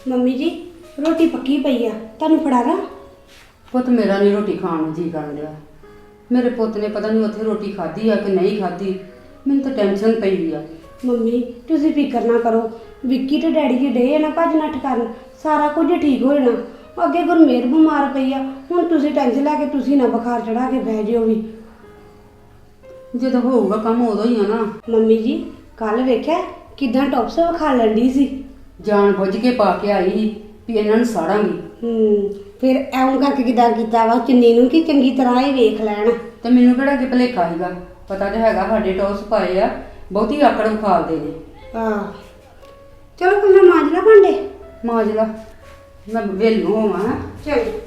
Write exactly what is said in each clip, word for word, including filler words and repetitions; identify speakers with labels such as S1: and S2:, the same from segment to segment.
S1: Mummy ਜੀ ਰੋਟੀ ਪੱਕੀ ਪਈ ਆ, ਤੁਹਾਨੂੰ ਫੜਾ ਦਾਂ?
S2: ਪੁੱਤ ਮੇਰਾ ਨਹੀਂ ਰੋਟੀ ਖਾਣ ਨੂੰ ਜੀ ਕਰਨ ਡਿਆ। ਮੇਰੇ ਪੁੱਤ ਨੇ ਪਤਾ ਨਹੀਂ ਉੱਥੇ ਰੋਟੀ ਖਾਧੀ ਆ ਕਿ ਨਹੀਂ ਖਾਧੀ, ਮੈਨੂੰ ਤਾਂ ਟੈਨਸ਼ਨ ਪਈ ਆ।
S1: ਮੰਮੀ ਤੁਸੀਂ ਫਿਕਰ ਨਾ ਕਰੋ, ਵਿੱਕੀ ਤੇ ਡੈਡੀ ਜੀ ਡੇ ਆ ਨਾ ਭੱਜ ਨੱਠ ਕਰਨ, ਸਾਰਾ ਕੁਝ ਠੀਕ ਹੋ ਜਾਣਾ। ਅੱਗੇ ਗੁਰਮੇਰ ਬਿਮਾਰ ਪਈ ਆ, ਹੁਣ ਤੁਸੀਂ ਟੈਨਸ਼ਨ ਲੈ ਕੇ ਤੁਸੀਂ ਨਾ ਬੁਖਾਰ ਚੜਾ ਕੇ ਬਹਿ ਜਿਓ ਵੀ।
S2: ਜਦੋਂ ਹੋਊਗਾ ਕੰਮ ਉਦੋਂ ਹੀ ਆ ਨਾ।
S1: ਮੰਮੀ ਜੀ ਕੱਲ ਵੇਖਿਆ ਕਿਦਾਂ ਟੌਪਸ ਵਿਖਾ ਲੈਂਦੀ ਸੀ,
S2: ਜਾਣ ਬੁੱਝ ਕੇ ਪਾ ਕੇ ਆਈ ਸੀ ਵੀ ਇਹਨਾਂ ਨੂੰ ਸਾੜਾਂਗੀ।
S1: ਹੂੰ ਫਿਰ ਐਉਂ ਕਰਕੇ ਕਿਦਾਂ ਕੀਤਾ ਵਾ ਚੁੰਨੀ ਨੂੰ ਕਿ ਚੰਗੀ ਤਰ੍ਹਾਂ ਹੀ ਵੇਖ ਲੈਣ।
S2: ਤੇ ਮੈਨੂੰ ਕਿਹੜਾ ਕਿ ਭੁਲੇਖਾ ਸੀਗਾ, ਪਤਾ ਤੇ ਹੈਗਾ ਸਾਡੇ ਟੌਸ ਪਾਏ ਆ, ਬਹੁਤੀ ਆਕੜ ਵਿਖਾਲਦੇ ਨੇ।
S1: ਹਾਂ ਚਲੋ ਫਿਰ ਮੈਂ ਮਾਂਜ ਲਾ ਭਾਂਡੇ।
S2: ਮਾਂਜ ਲਾ, ਮੈਂ ਵੇਲ ਨੂੰ ਹੋਵਾਂ।
S1: ਚਲੋ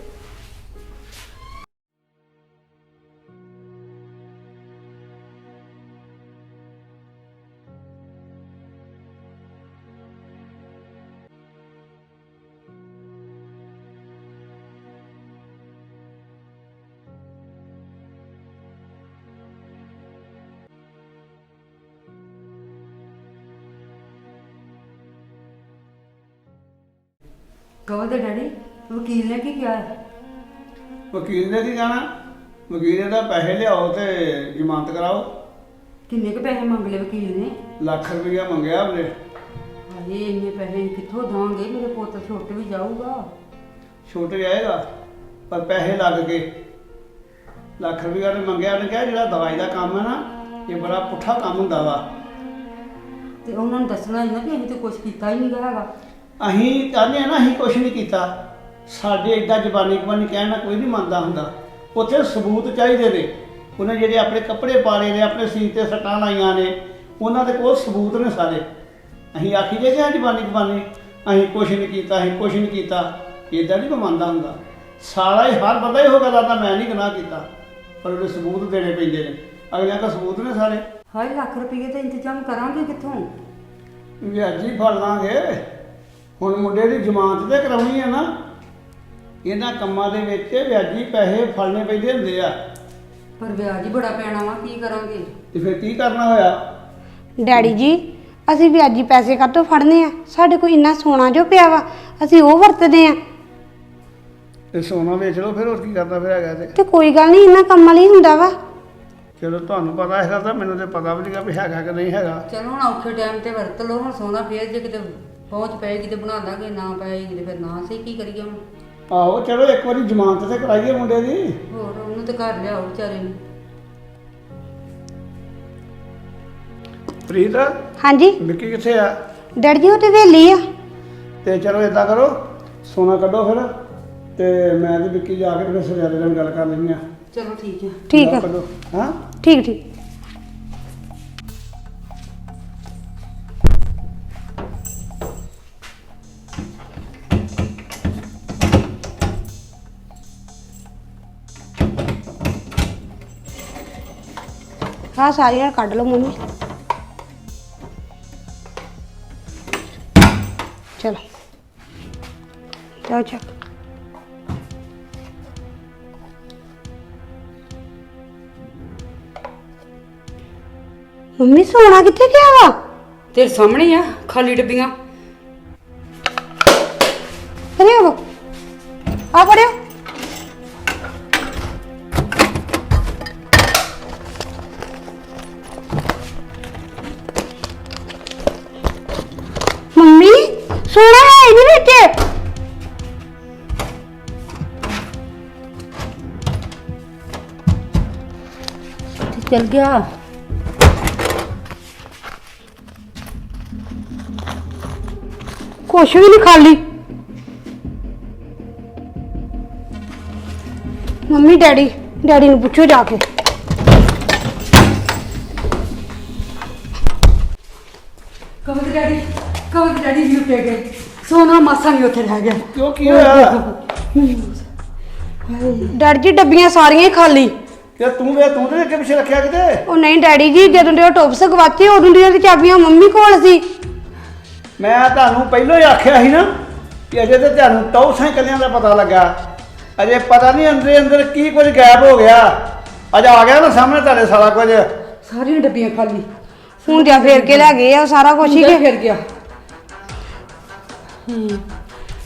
S2: ਕਹੋ ਤੇ ਡੈਡੀ ਵਕੀਲ ਨੇ ਕੀ ਕਿਹਾ?
S3: ਵਕੀਲ ਨੇ ਕੀ ਕਹਿਣਾ? ਵਕੀਲ ਨੇ ਤਾਂ ਪੈਸੇ ਲਿਆਓ ਤੇ ਜ਼ਮਾਨਤ ਕਰਾਓ।
S2: ਕਿੰਨੇ ਕੁ ਪੈਸੇ ਮੰਗ ਲਏ ਵਕੀਲ ਨੇ?
S3: ਲੱਖ ਰੁਪਈਆ ਮੰਗਿਆ ਉਹਨੇ।
S2: ਹਾਏ ਇੰਨੇ ਪੈਸੇ ਕਿੱਥੋਂ ਦਾਂਗੇ, ਮੇਰੇ ਪੁੱਤ ਛੁੱਟ ਵੀ ਜਾਊਗਾ।
S3: ਛੁੱਟ ਜਾਏਗਾ ਪਰ ਪੈਸੇ ਲੱਗ ਗਏ। ਲੱਖ ਰੁਪਈਆ ਨੇ ਮੰਗਿਆ। ਉਹਨੇ ਕਿਹਾ ਜਿਹੜਾ ਦਵਾਈ ਦਾ ਕੰਮ ਹੈ ਨਾ, ਇਹ ਬੜਾ ਪੁੱਠਾ ਕੰਮ ਹੁੰਦਾ ਵਾ।
S2: ਤੇ ਉਹਨਾਂ ਨੂੰ ਦੱਸਣਾ ਹੀ ਨਾ ਕਿ ਅਸੀਂ ਤਾਂ ਕੁਛ ਕੀਤਾ ਹੀ ਨਹੀਂ ਹੈਗਾ।
S3: ਅਸੀਂ ਕਹਿੰਦੇ ਆ ਨਾ ਅਸੀਂ ਕੁਛ ਨਹੀਂ ਕੀਤਾ। ਸਾਡੇ ਏਦਾਂ ਜ਼ਬਾਨੀ ਕਬਾਨੀ ਕਹਿਣ ਨਾਲ ਕੋਈ ਨਹੀਂ ਮੰਨਦਾ ਹੁੰਦਾ। ਉੱਥੇ ਸਬੂਤ ਚਾਹੀਦੇ ਨੇ। ਉਹਨੇ ਜਿਹੜੇ ਆਪਣੇ ਕੱਪੜੇ ਪਾੜੇ ਨੇ, ਆਪਣੇ ਸੀਨ 'ਤੇ ਸੱਟਾਂ ਲਾਈਆਂ ਨੇ, ਉਹਨਾਂ ਦੇ ਕੋਲ ਸਬੂਤ ਨੇ ਸਾਰੇ। ਅਸੀਂ ਆਖੀ ਜੇ ਕਿ ਜ਼ਬਾਨੀ ਕਬਾਨੀ ਅਸੀਂ ਕੁਛ ਨਹੀਂ ਕੀਤਾ, ਅਸੀਂ ਕੁਛ ਨਹੀਂ ਕੀਤਾ, ਇੱਦਾਂ ਨਹੀਂ ਕੋਈ ਮੰਨਦਾ ਹੁੰਦਾ। ਸਾਰਾ ਹੀ ਹਰ ਬੰਦਾ ਇਹੋ ਗੱਲ ਆਉਂਦਾ ਮੈਂ ਨਹੀਂ ਗੁਨਾਹ ਕੀਤਾ, ਪਰ ਉਹਦੇ ਸਬੂਤ ਦੇਣੇ ਪੈਂਦੇ ਨੇ। ਅਗਲਿਆਂ ਕੋਲ ਸਬੂਤ ਨੇ ਸਾਰੇ।
S2: ਹਾਏ ਲੱਖ ਰੁਪਏ ਦਾ ਇੰਤਜ਼ਾਮ ਕਰਾਂਗੇ ਕਿੱਥੋਂ?
S3: ਵਿਆਜੀ ਫੜ ਲਾਂਗੇ। ਹੁਣ ਮੁੰਡੇ ਦੀ ਜ਼ਮਾਨਤ ਤੇ ਕਰਾਉਣੀ ਹੈ ਨਾ। ਇਹਨਾਂ ਕੰਮਾਂ ਦੇ ਵਿੱਚ ਵਿਆਜੀ ਪੈਸੇ ਫੜਨੇ ਪੈਂਦੇ ਹੁੰਦੇ ਆ।
S2: ਪਰ ਵਿਆਜ ਹੀ ਬੜਾ ਪੈਣਾ ਵਾ, ਕੀ ਕਰਾਂਗੇ?
S3: ਤੇ ਫਿਰ ਕੀ ਕਰਨਾ ਹੋਇਆ?
S1: ਡੈਡੀ ਜੀ ਅਸੀਂ ਵਿਆਜੀ ਪੈਸੇ ਕਾਹਤੋਂ ਫੜਨੇ ਆ? ਸਾਡੇ ਕੋਲ ਇੰਨਾ ਸੋਨਾ ਜੋ ਪਿਆ ਵਾ, ਅਸੀਂ ਉਹ ਵਰਤਦੇ ਆ।
S3: ਤੇ ਸੋਨਾ ਵੇਚ ਲਓ ਫਿਰ, ਹੋਰ ਕੀ ਕਰਨਾ ਫਿਰ ਹੈਗਾ ਤੇ।
S1: ਤੇ ਕੋਈ ਗੱਲ ਨਹੀਂ, ਇੰਨਾ ਕੰਮਾਂ ਲਈ ਹੁੰਦਾ ਵਾ।
S3: ਚਲੋ ਤੁਹਾਨੂੰ ਪਤਾ ਹੈਗਾ ਤਾਂ ਮੈਨੂੰ ਤੇ ਪਤਾ ਵੀ ਨਹੀਂਗਾ ਵੀ ਹੈਗਾ ਕਿ ਨਹੀਂ ਹੈਗਾ।
S2: ਚਲੋ ਹੁਣ ਔਖੇ ਟਾਈਮ ਤੇ ਵਰਤ ਲਓ। ਹੁਣ ਸੋਨਾ ਫੇਰ ਜੇ ਕਿਤੇ ਪਹੁੰਚ ਪਏਗੀ ਤੇ ਬਣਾ ਦਾਂਗੇ, ਨਾ ਪਏਗੀ ਤੇ ਫਿਰ ਨਾ ਸਹੀ, ਕੀ ਕਰੀਏ ਹੁਣ?
S3: ਆਹੋ ਚਲੋ ਇੱਕ ਵਾਰੀ ਜ਼ਮਾਨਤ ਤੇ ਕਰਾਈਏ ਮੁੰਡੇ ਦੀ।
S2: ਹੋਰ ਉਹਨੂੰ ਤੇ ਘਰ ਲਿਆਓ ਵਿਚਾਰੇ ਨੂੰ।
S3: ਪ੍ਰੀਤ
S1: ਹਾਂਜੀ
S3: ਵਿੱਕੀ ਕਿੱਥੇ ਆ?
S1: ਡੈਡੀ ਜੀ ਉਹ ਤੇ ਵੇਲੀ ਆ।
S3: ਤੇ ਚਲੋ ਇਦਾਂ ਕਰੋ, ਸੋਨਾ ਕੱਢੋ ਫਿਰ, ਤੇ ਮੈਂ ਤੇ ਵਿੱਕੀ ਜਾ ਕੇ ਫਿਰ ਸਵੇਰੇ ਨਾਲ ਗੱਲ ਕਰ ਲੈਂਦੇ ਆ।
S2: ਚਲੋ ਠੀਕ ਹੈ।
S1: ਠੀਕ ਆ।
S3: ਕੱਢੋ। ਹਾਂ
S1: ਠੀਕ ਠੀਕ। ਹਾਂ ਸਾਰੀਆਂ ਕੱਢ ਲਓ ਮੰਮੀ। ਚਲੋ ਜਾਓ ਚੱਕ। ਮੰਮੀ ਸੋਨਾ ਕਿੱਥੇ ਗਿਆ ਵਾ?
S2: ਤੇਰੇ ਸਾਹਮਣੇ ਆ ਖਾਲੀ ਡੱਬੀਆਂ।
S1: ਅਰੇ ਉਹ ਆ ਪੜਿਓ। ਮੰਮੀ ਸੋਨਾ ਹੈ ਇਹਦੇ ਵਿੱਚ।
S2: ਚੱਲ ਗਿਆ।
S1: ਕੁਛ ਵੀ ਨਹੀਂ ਖਾਲੀ। ਮੰਮੀ ਡੈਡੀ ਡੈਡੀ ਨੂੰ ਪੁੱਛੋ ਜਾ ਕੇ।
S2: ਕਵਲ ਡੈਡੀ ਕਵਲ ਡੈਡੀ ਵੀ ਉੱਤੇ ਗਏ, ਸੋਨਾ ਮਾਸਾ ਨਹੀਂ ਉੱਥੇ ਰਹਿ ਗਿਆ।
S3: ਕਿਉਂ ਕੀ ਹੋਇਆ?
S1: ਡੈਡੀ ਜੀ ਡੱਬੀਆਂ ਸਾਰੀਆਂ ਹੀ ਖਾਲੀ।
S3: ਕਿ ਤੂੰ ਵੇ ਤੂੰ ਤੇ ਅੱਗੇ ਪਿੱਛੇ ਰੱਖਿਆ ਕਿਤੇ?
S1: ਉਹ ਨਹੀਂ ਡੈਡੀ ਜੀ, ਜਦੋਂ ਦੇ ਉਹ ਟੋਪਸ ਗਵਾਚੇ ਉਦੋਂ ਦੀਆਂ ਤੇ ਚਾਬੀਆਂ ਮੰਮੀ ਕੋਲ ਸੀ।
S3: ਮੈਂ ਤੁਹਾਨੂੰ ਪਹਿਲਾਂ ਹੀ ਆਖਿਆ ਸੀ ਨਾ ਕਿ ਅਜੇ ਤੇ ਤੁਹਾਨੂੰ ਟੌਸਾਂ ਹੀ ਕੱਲਿਆਂ ਦਾ ਪਤਾ ਲੱਗਾ। ਅਜੇ ਪਤਾ ਨਹੀਂ ਅੰਦਰੇ ਅੰਦਰ ਕੀ ਕੁਝ ਗਾਇਬ ਹੋ ਗਿਆ। ਅੱਜ ਆ ਗਿਆ ਨਾ ਸਾਹਮਣੇ ਤੁਹਾਡੇ ਸਾਰਾ ਕੁਝ।
S2: ਸਾਰੀਆਂ ਡੱਬੀਆਂ ਖਾਲੀ।
S1: ਹੁੰਦਿਆਂ ਫੇਰ ਕੇ ਲੈ ਗਏ ਆ ਸਾਰਾ ਕੁਝ ਹੀ।
S2: ਫਿਰ ਗਿਆ। ਹੂੰ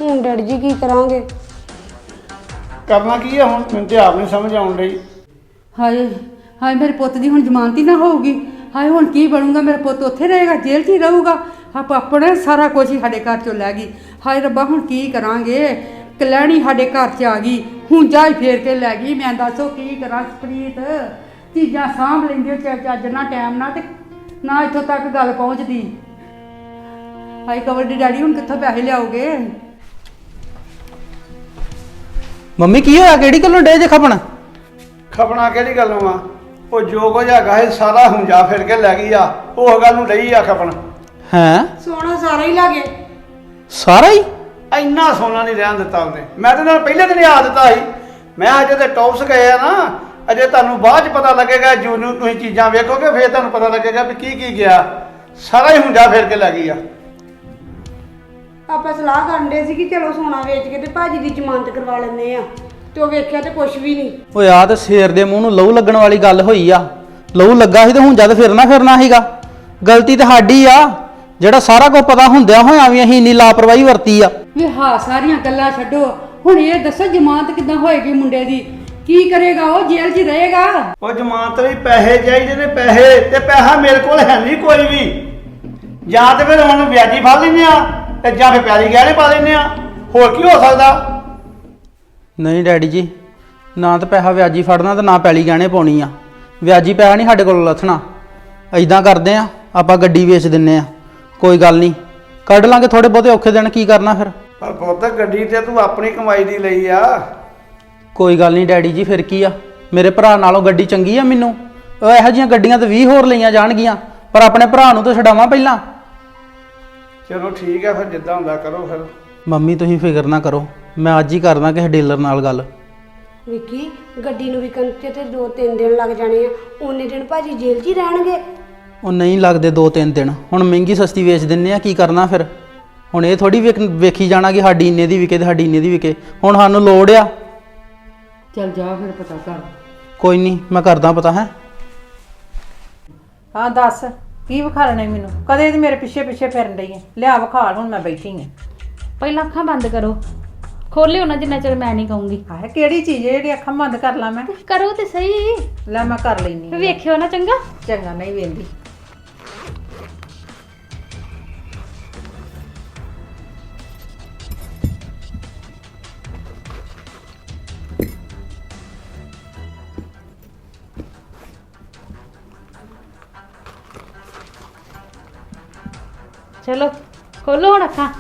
S1: ਹੁਣ ਡੈਡੀ ਜੀ ਕੀ ਕਰਾਂਗੇ?
S3: ਕਰਨਾ ਕੀ ਆ ਹੁਣ, ਮੈਨੂੰ ਤੇ ਆਪ ਨਹੀਂ ਸਮਝ ਆਉਣ ਡਈ।
S2: ਹਾਏ ਹਾਏ ਮੇਰੇ ਪੁੱਤ ਦੀ ਹੁਣ ਜ਼ਮਾਨਤ ਹੀ ਨਾ ਹੋਊਗੀ। ਹਾਏ ਹੁਣ ਕੀ ਬਣੂਗਾ? ਮੇਰਾ ਪੁੱਤ ਉੱਥੇ ਰਹੇਗਾ, ਜੇਲ੍ਹ 'ਚ ਹੀ ਰਹੂਗਾ। ਆਪ ਆਪਣੇ ਸਾਰਾ ਕੁਝ ਹੀ ਸਾਡੇ ਘਰ ਚੋਂ ਲੈ ਗਈ। ਹਾਏ ਰੱਬਾ ਹੁਣ ਕੀ ਕਰਾਂਗੇ? ਕਲੈਣੀ ਸਾਡੇ ਘਰ 'ਚ ਆ ਗਈ, ਹੁਣ ਜਾ ਹੀ ਫੇਰ ਕੇ ਲੈ ਗਈ। ਮੈਂ ਦੱਸੋ ਕੀ ਕਰਾਂ ਪ੍ਰੀਤ? ਚੀਜ਼ਾਂ ਸਾਂਭ ਲੈਂਦੀ ਹੋ ਚੱਜ ਨਾਲ ਟਾਈਮ ਨਾਲ, ਤੇ ਨਾ ਇੱਥੋਂ ਤੱਕ ਗੱਲ ਪਹੁੰਚਦੀ। ਹਾਏ ਕਵਰ ਦੀ ਡੈਡੀ ਹੁਣ ਕਿੱਥੋਂ ਪੈਸੇ ਲਿਆਓਗੇ?
S4: ਮੰਮੀ ਕੀ ਹੋਇਆ? ਕਿਹੜੀ ਗੱਲੋਂ ਡੇ ਜੇ ਖਪਣ?
S3: ਖਪਣਾ ਕਿਹੜੀ ਗੱਲੋਂ ਆ? ਉਹ ਜੋ ਕੁਝ ਹੈਗਾ ਇਹ ਸਾਰਾ ਹੁੰਜਾ ਫਿਰ ਕੇ ਲੈ ਗਈ ਆ। ਉਹ ਗੱਲ ਨੂੰ ਲਈ ਆ ਖਪਣ।
S4: ਹੈਂ?
S1: ਸੋਨਾ ਸਾਰਾ ਹੀ ਲਾਗੇ।
S4: ਸਾਰਾ ਹੀ?
S3: ਇੰਨਾ ਸੋਨਾ ਨਹੀਂ ਰਹਿਣ ਦਿੱਤਾ ਉਹਨੇ। ਮੈਂ ਤੇ ਨਾਲ ਪਹਿਲੇ ਦਿਨ ਹੀ ਆ ਦਿੱਤਾ ਸੀ। ਮੈਂ ਅਜੇ ਤੇ ਟੌਪਸ ਗਏ ਆ ਨਾ, ਅਜੇ ਤੁਹਾਨੂੰ ਬਾਅਦ ਚ ਪਤਾ ਲੱਗੇਗਾ। ਜੂ ਨੂੰ ਤੁਸੀਂ ਚੀਜ਼ਾਂ ਵੇਖੋਗੇ ਫਿਰ ਤੁਹਾਨੂੰ ਪਤਾ ਲੱਗੇਗਾ ਵੀ ਕੀ ਕੀ ਗਿਆ। ਸਾਰਾ ਹੀ ਹੁੰਜਾ ਫਿਰ ਕੇ ਲੈ ਗਈ ਆ।
S1: ਆਪਾਂ ਸਲਾਹ ਕਰਨ ਦੇ ਸੀ ਕਿ ਚਲੋ ਸੋਨਾ ਵੇਚ ਕੇ ਤੇ ਭਾਜੀ ਦੀ ਜ਼ਮਾਨਤ ਕਰਵਾ ਲੈਂਦੇ ਆ, ਤੇ ਉਹ ਵੇਖਿਆ ਤੇ ਕੁਛ ਵੀ ਨਹੀਂ।
S4: ਓਏ ਆ ਤੇ ਸ਼ੇਰ ਦੇ ਮੂੰਹ ਨੂੰ ਲਹੂ ਲੱਗਣ ਵਾਲੀ ਗੱਲ ਹੋਈ ਆ। ਲਹੂ ਲੱਗਾ ਸੀ ਤੇ ਹੁਣ ਜਦ ਫਿਰਨਾ ਫਿਰਨਾ ਸੀਗਾ। ਗਲਤੀ ਤੇ ਸਾਡੀ ਆ, ਜਿਹੜਾ ਸਾਰਾ ਕੁਝ ਪਤਾ ਹੁੰਦਿਆਂ ਹੋਇਆਂ ਵੀ ਅਸੀਂ ਇੰਨੀ ਲਾਪਰਵਾਹੀ ਵਰਤੀ ਆ।
S2: ਵੀ ਹਾਂ ਸਾਰੀਆਂ ਗੱਲਾਂ ਛੱਡੋ, ਹੁਣ ਇਹ ਦੱਸੋ ਜ਼ਮਾਨਤ ਕਿੱਦਾਂ ਹੋਏਗੀ ਮੁੰਡੇ ਦੀ? ਕੀ ਕਰੇਗਾ ਉਹ? ਜੇਲ੍ਹ 'ਚ ਰਹੇਗਾ?
S3: ਉਹ ਜ਼ਮਾਨਤ ਲਈ ਪੈਸੇ ਚਾਹੀਦੇ ਨੇ, ਪੈਸੇ ਤੇ ਪੈਸਾ ਮੇਰੇ ਕੋਲ ਹੈ ਨਹੀਂ ਕੋਈ ਵੀ। ਜਾਂ ਤੇ ਫਿਰ ਹੁਣ ਵਿਆਜੀ ਫੜ ਲੈਂਦੇ ਆ ਤੇ ਜਾਂ ਫਿਰ ਪਿਆਰੀ ਗਹਿਣੇ ਪਾ ਲੈਂਦੇ ਆ। ਹੋਰ ਕੀ ਹੋ ਸਕਦਾ?
S4: ਨਹੀਂ ਡੈਡੀ ਜੀ, ਨਾ ਤਾਂ ਪੈਸਾ ਵਿਆਜੀ ਫੜਨਾ ਤੇ ਨਾ ਪੈਲੀ ਗਹਿਣੇ ਪਾਉਣੀ ਆ। ਵਿਆਜੀ ਪੈਸਾ ਨਹੀਂ ਸਾਡੇ ਕੋਲ ਲੱਥਣਾ। ਐਦਾਂ ਕਰਦੇ ਆ, ਆਪਾਂ ਗੱਡੀ ਵੇਚ ਦਿੰਨੇ ਆ। ਕੋਈ ਗੱਲ ਨਹੀਂ, ਕੱਢ ਲਾਂਗੇ ਥੋੜੇ ਬਹੁਤੇ ਔਖੇ ਦਿਨ। ਕੀ ਕਰਨਾ ਫਿਰ?
S3: ਪਰ ਪੁੱਤ ਗੱਡੀ ਤੇ ਤੂੰ ਆਪਣੀ ਕਮਾਈ ਦੀ ਲਈ ਆ।
S4: ਕੋਈ ਗੱਲ ਨਹੀਂ ਡੈਡੀ ਜੀ, ਫਿਰ ਕੀ ਆ? ਮੇਰੇ ਭਰਾ ਨਾਲੋਂ ਗੱਡੀ ਚੰਗੀ ਆ ਮੈਨੂੰ। ਉਹ ਇਹੋ ਜਿਹੀਆਂ ਗੱਡੀਆਂ ਤੇ ਵੀਹ ਹੋਰ ਲਈਆਂ ਜਾਣਗੀਆਂ, ਪਰ ਆਪਣੇ ਭਰਾ ਨੂੰ ਤਾਂ ਛਡਾਵਾਂ ਪਹਿਲਾਂ।
S3: ਚਲੋ ਠੀਕ ਹੈ ਫਿਰ, ਜਿੱਦਾਂ ਹੁੰਦਾ ਕਰੋ ਫਿਰ।
S4: ਮੰਮੀ ਤੁਸੀਂ ਫਿਕਰ ਨਾ ਕਰੋ, ਮੈਂ ਅੱਜ ਹੀ ਕਰਦਾ ਕਿਸੇ ਡੀਲਰ ਨਾਲ ਗੱਲ।
S1: ਵਿੱਕੀ, ਗੱਡੀ ਨੂੰ ਵਿਕਣ ਤੇ ਤੇ ਦੋ ਤਿੰਨ ਦਿਨ ਲੱਗ ਜਾਣੇ ਆ। ਉਹਨੇ ਦਿਨ ਭਾਜੀ ਜੇਲ੍ਹ 'ਚ ਹੀ ਰਹਿਣਗੇ।
S4: ਉਹ ਨਹੀਂ ਲੱਗਦੇ ਦੋ ਤਿੰਨ ਦਿਨ। ਹੁਣ ਮਹਿੰਗੀ ਸਸਤੀ ਵੇਚ ਦਿੰਨੇ ਆ। ਕੀ ਕਰਨਾ ਫਿਰ? ਹੁਣ ਇਹ ਥੋੜੀ ਵੇਖੀ ਜਾਣਾ ਕਿ ਸਾਡੀ ਇੰਨੇ ਦੀ ਵਿਕੇ ਤੇ ਸਾਡੀ ਇੰਨੇ ਦੀ ਵਿਕੇ। ਹੁਣ ਸਾਨੂੰ ਲੋੜ ਆ।
S2: ਚੱਲ ਜਾ ਫਿਰ ਪਤਾ ਕਰ।
S4: ਕੋਈ ਨਹੀਂ, ਮੈਂ ਕਰਦਾ ਪਤਾ। ਹੈ
S5: ਹਾਂ ਦੱਸ, ਕੀ ਵਿਖਾਲਣਾ ਮੈਨੂੰ? ਕਦੇ ਦੀ ਮੇਰੇ ਪਿੱਛੇ ਪਿੱਛੇ ਫਿਰਨ ਡਈ ਹੈ। ਲਿਆ ਵਿਖਾਲ, ਹੁਣ ਮੈਂ ਬੈਠੀ ਹਾਂ।
S6: ਪਹਿਲਾਂ ਅੱਖਾਂ ਬੰਦ ਕਰੋ, ਖੋਲਿਓ ਨਾ ਜਿੰਨਾ ਚਿਰ ਮੈਂ ਨਹੀਂ ਕਹੂੰਗੀ।
S5: ਆਹ ਕਿਹੜੀ ਚੀਜ਼ ਹੈ ਜਿਹੜੀ ਅੱਖਾਂ ਬੰਦ ਕਰ ਲਾਂ ਮੈਂ?
S6: ਕਰੋ ਤੇ ਸਹੀ।
S5: ਲੈ ਮੈਂ ਕਰ ਲੈਣੀ।
S6: ਵੇਖਿਓ ਨਾ ਚੰਗਾ।
S5: ਚੰਗਾ, ਨਹੀਂ ਵੇਂਦੀ।
S6: ਚਲੋ ਖੋਲੋ ਹੁਣ ਅੱਖਾਂ।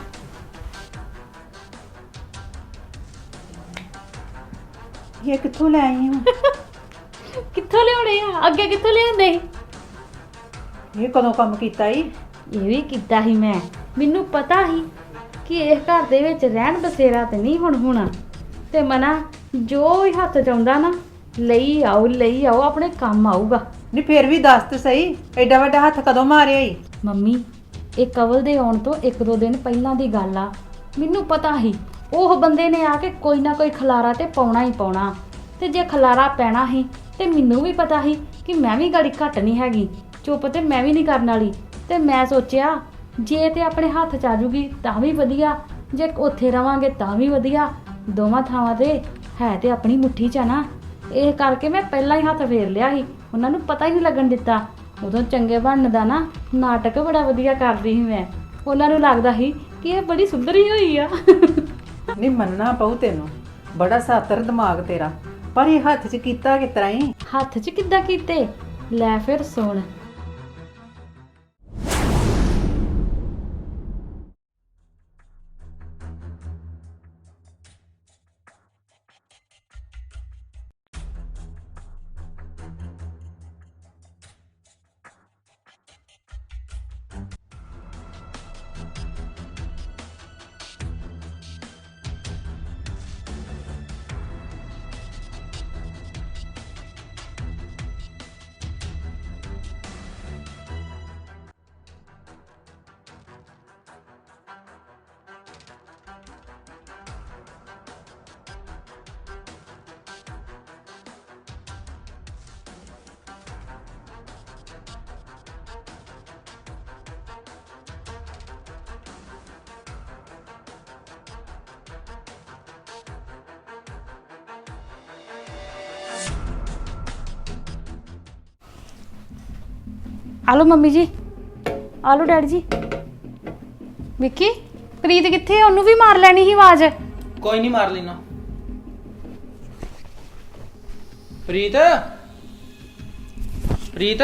S5: ਇਹ ਕਿੱਥੋਂ ਲੈ ਆਈ ਹਾਂ?
S6: ਕਿੱਥੋਂ ਲਿਆਉਣੇ ਆ? ਅੱਗੇ ਕਿੱਥੋਂ ਲਿਆਉਂਦੇ?
S5: ਇਹ ਕਦੋਂ ਕੰਮ ਕੀਤਾ ਈ?
S6: ਇਹ ਵੀ ਕੀਤਾ ਸੀ ਮੈਂ। ਮੈਨੂੰ ਪਤਾ ਸੀ ਕਿ ਇਸ ਘਰ ਦੇ ਵਿੱਚ ਰਹਿਣ ਬਸੇਰਾ ਤੇ ਨਹੀਂ ਹੁਣ ਹੋਣਾ, ਤੇ ਮਨਾ ਜੋ ਵੀ ਹੱਥ ਚ ਆਉਂਦਾ ਨਾ ਲਈ ਆਓ ਲਈ ਆਓ, ਆਪਣੇ ਕੰਮ ਆਊਗਾ।
S5: ਨਹੀਂ ਫਿਰ ਵੀ ਦੱਸ ਤੇ ਸਹੀ, ਐਡਾ ਵੱਡਾ ਹੱਥ ਕਦੋਂ ਮਾਰਿਆ ਈ?
S6: ਮੰਮੀ, ਇਹ ਕਵਲ ਦੇ ਆਉਣ ਤੋਂ ਇੱਕ ਦੋ ਦਿਨ ਪਹਿਲਾਂ ਦੀ ਗੱਲ ਆ। ਮੈਨੂੰ ਪਤਾ ਸੀ ਉਹ ਬੰਦੇ ਨੇ ਆ ਕੇ ਕੋਈ ਨਾ ਕੋਈ ਖਲਾਰਾ ਤੇ ਪਾਉਣਾ ਹੀ ਪਾਉਣਾ, ਤੇ ਜੇ ਖਲਾਰਾ ਪੈਣਾ ਸੀ ਤੇ ਮੈਨੂੰ ਵੀ ਪਤਾ ਸੀ ਕਿ ਮੈਂ ਵੀ ਗਾੜੀ ਘੱਟ ਨਹੀਂ ਹੈਗੀ। ਚੁੱਪ ਤੇ ਮੈਂ ਵੀ ਨਹੀਂ ਕਰਨ ਵਾਲੀ। ਤੇ ਮੈਂ ਸੋਚਿਆ ਜੇ ਤੇ ਆਪਣੇ ਹੱਥ ਚ ਆ ਜੂਗੀ ਤਾਂ ਵੀ ਵਧੀਆ, ਜੇ ਉੱਥੇ ਰਵਾਂਗੇ ਤਾਂ ਵੀ ਵਧੀਆ। ਦੋਵਾਂ ਥਾਵਾਂ ਤੇ ਹੈ ਤੇ ਆਪਣੀ ਮੁੱਠੀ 'ਚ ਆ ਨਾ। ਇਹ ਕਰਕੇ ਮੈਂ ਪਹਿਲਾਂ ਹੀ ਹੱਥ ਫੇਰ ਲਿਆ ਸੀ। ਉਹਨਾਂ ਨੂੰ ਪਤਾ ਹੀ ਨਹੀਂ ਲੱਗਣ ਦਿੱਤਾ। ਉਦੋਂ ਚੰਗੇ ਬਣਨ ਦਾ ਨਾ ਨਾਟਕ ਬੜਾ ਵਧੀਆ ਕਰਦੀ ਸੀ ਮੈਂ। ਉਹਨਾਂ ਨੂੰ ਲੱਗਦਾ ਸੀ ਕਿ ਇਹ ਬੜੀ ਸੁਧਰੀ ਹੋਈ ਆ।
S5: ਨਹੀਂ ਮੰਨਣਾ ਪਊ ਤੈਨੂੰ, ਬੜਾ ਸਾਤਰ ਦਿਮਾਗ ਤੇਰਾ। ਪਰ ਇਹ ਹੱਥ 'ਚ ਕੀਤਾ ਕਿਸ ਤਰ੍ਹਾਂ ਈ?
S6: ਹੱਥ 'ਚ ਕਿੱਦਾਂ ਕੀਤੇ? ਲੈ ਫਿਰ ਸੁਣ। ਆਲੋ ਮੰਮੀ ਜੀ, ਆਲੋ ਡੈਡੀ ਜੀ। ਵਿੱਕੀ, ਪ੍ਰੀਤ ਕਿੱਥੇ ਆ? ਉਹਨੂੰ ਵੀ ਮਾਰ ਲੈਣੀ ਸੀ ਆਵਾਜ਼।
S4: ਕੋਈ ਨਹੀਂ, ਮਾਰ ਲੈਣਾ। ਪ੍ਰੀਤ, ਪ੍ਰੀਤ,